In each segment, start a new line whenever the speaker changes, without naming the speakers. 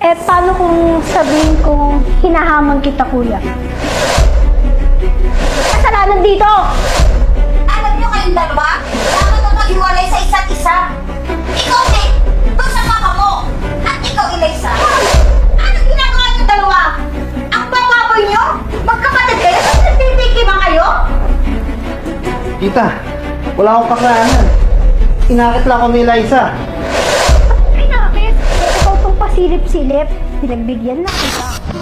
Paano kung sabihin kong hinahamon kita, kuya? Kasalanan dito!
Alam niyo kayong dalawa, dapat na maghiwalay sa isa't isa. Ikaw, Nick, doon sa papa mo. At ikaw, Eliza. Anong ginagawa niyo dalawa? Ang bababoy niyo? Magkapatid kayo? Tapos nagtitikiman kayo?
Tita, wala akong kasalanan. Inakit lang ako ni Eliza.
Pinakit! Ikaw tong pasilip-silip. Pinagbigyan na kita.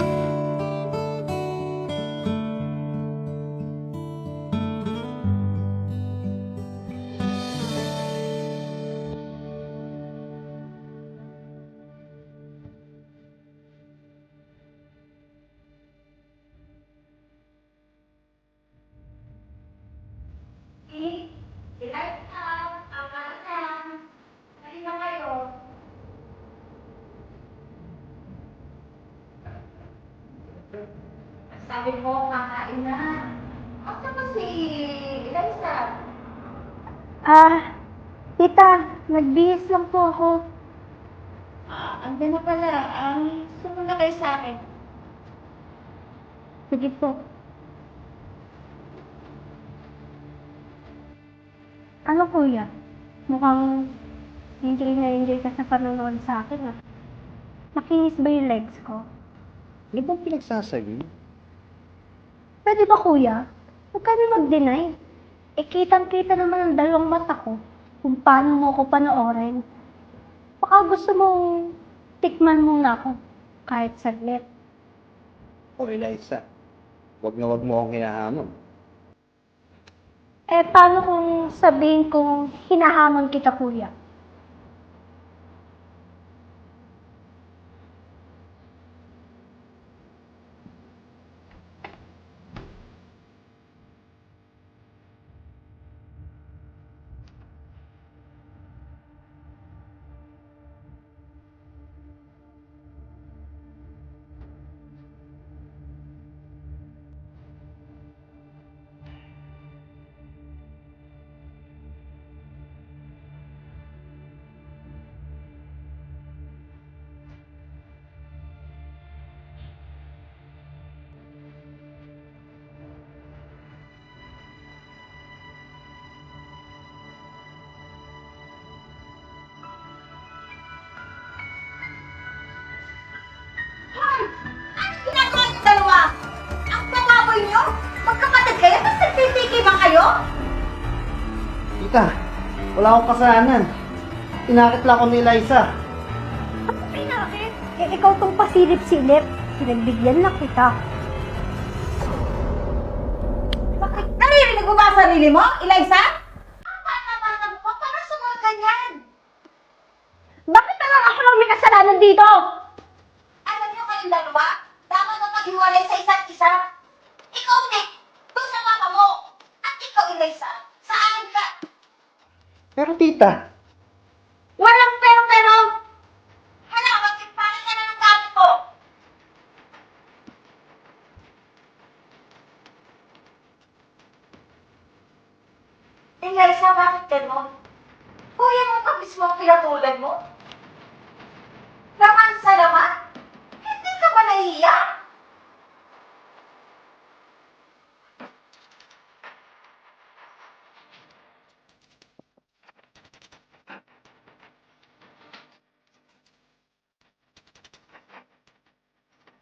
Sabi mo, kakain na. Asa ba si Eliza?
Tita, nagbihis lang po ako.
Andun na pala. Sumunod na kayo sa akin.
Sige po. Ano, kuya? Mukhang enjoy na enjoy ka sa panonood sa akin, ah. Nakinis ba yung legs ko?
Ano bang pinagsasabi?
Pwede ba, kuya? Huwag ka na mag-deny. Kitang-kita naman ang dalawang mata ko kung paano mo ko panoorin. Baka gusto mong tikman muna ako kahit saglit.
O Eliza, wag mo akong hinahamon.
Paano kung sabihin kong hinahamon kita, kuya?
Hoy! Anong ginagawa niyo dalawa? Ang bababoy niyo? Magkapatid kayo? Tapos nagtitikiman kayo?
Tita, wala akong kasalanan. Inakit lang ako ni Eliza.
Ano pinakit? Ikaw tong pasilip-silip. Pinagbigyan na kita.
Bakit? Naririnig mo ba ang sarili mo, Eliza? Ang bata-bata mo pa, para sumunod ganyan.
Bakit na lang ako lang may kasalanan dito?
Alam niyo kayong dalawa, dapat na maghiwalay sa isa't isa. Ikaw, Nick, doon sa papa mo. At ikaw, Eliza, sa akin ka.
Pero tita,
Walang pero-pero. Hala, magsipalit ka na ng gamit mo. Eliza, bakit ganon? Kuya mo pa mismo ang pinatulan mo?